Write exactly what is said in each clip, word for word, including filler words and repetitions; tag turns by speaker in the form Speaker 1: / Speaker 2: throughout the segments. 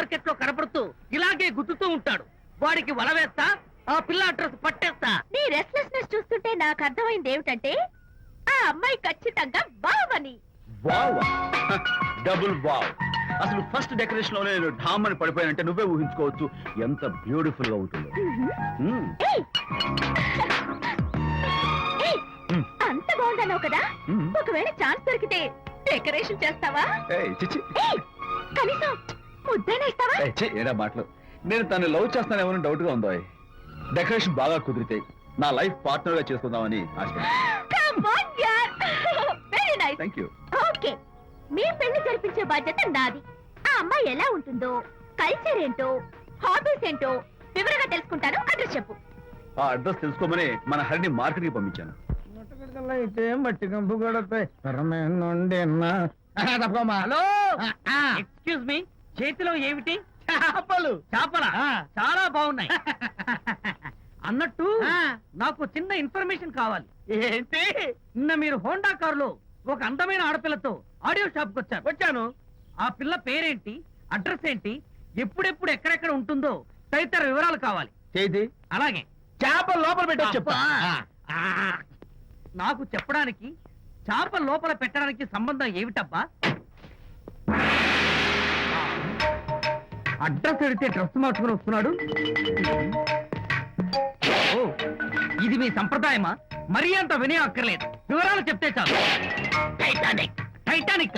Speaker 1: Market లో కనపడుతూ ఇలాగే గుద్దుతూ ఉంటాడు. వాడికి వల వేస్తా, ఆ పిల్ల అడ్రస్ పట్టేస్తా.
Speaker 2: నీ రెస్ట్లెస్నెస్ చూస్తుంటే నాకు అర్థమైంది ఏమిటంటే ఆ అమ్మాయి ఖచ్చితంగా బావని.
Speaker 3: Wow, double wow. అసలు ఫస్ట్ డెకరేషన్ లోనే నేను ఢామ్ అని పడిపోయానంటే నువ్వే ఊహించుకోవచ్చు ఎంత బ్యూటిఫుల్ గా ఉంటుందో. మ్మ్.
Speaker 2: ఏయ్! ఏయ్! అంత బాగుందన్నావు కదా,
Speaker 3: మ్మ్.
Speaker 2: ఒకవేళ ఛాన్స్ దొరికితే డెకరేషన్ చేస్తావా?
Speaker 3: ఏయ్, చిచ్చి.
Speaker 2: ఏయ్! కనీసం ముద్దైనా ఇస్తావా?
Speaker 3: ఏయ్, ఛీ, ఏరా మాటలు. నేను తను లవ్ చేస్తానేమో డౌట్ గా ఉందో. డెకరేషన్ బాగా కుదిరితే నా లైఫ్ పార్ట్నర్ గా చేసుకుందామని ఆశ.
Speaker 2: Come on, yaar. Very nice.
Speaker 3: Thank you.
Speaker 2: Okay, మీ పెళ్లి జరిపించే బాధ్యత నాది. ఆ అమ్మాయి ఎలా ఉంటుందో, కల్చర్ ఏంటో, హాబీస్ ఏంటో వివరంగా తెలుసుకుంటాను. అడ్రస్ చెప్పు.
Speaker 3: ఆ అడ్రస్ తెలుసుకోమని మన హరిని మార్కెట్ కి పంపించాను.
Speaker 4: అయితే మట్టి కంపు కొడతాయి.
Speaker 1: హలో, ఎక్స్క్యూజ్ మీ, చేతిలో ఏమిటి?
Speaker 4: చేపలు.
Speaker 1: చేపల చాలా బాగున్నాయి. అన్నట్టు నాకు చిన్న ఇన్ఫర్మేషన్ కావాలి.
Speaker 4: ఏంటి?
Speaker 1: నిన్న మీరు హోండా కారులో ఒక అందమైన ఆడపిల్లతో ఆడియో షాప్ కు వచ్చారు.
Speaker 4: వచ్చాను.
Speaker 1: ఆ పిల్ల పేరేంటి, అడ్రస్ ఏంటి, ఎప్పుడెప్పుడు ఎక్కడెక్కడ ఉంటుందో తదితర వివరాలు కావాలి.
Speaker 4: చేతి
Speaker 1: అలాగే
Speaker 4: చేపలు లోపల పెట్టి చెప్తా.
Speaker 1: ఆ, నాకు చెప్పడానికి చేప లోపల పెట్టడానికి సంబంధం ఏమిటబ్బా? అడ్రస్ అడిగితే డ్రెస్ మార్చుకుని వస్తున్నాడు. ఓ, ఇది మీ సంప్రదాయమా? మరీ అంత వినే అక్కర్లేదు, వివరాలు చెప్తే చాలు. టైటానిక్. టైటానిక్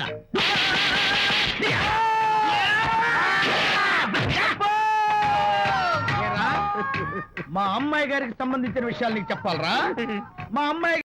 Speaker 4: మా అమ్మాయి గారికి సంబంధించిన విషయాలు నీకు చెప్పాలరా? మా అమ్మాయి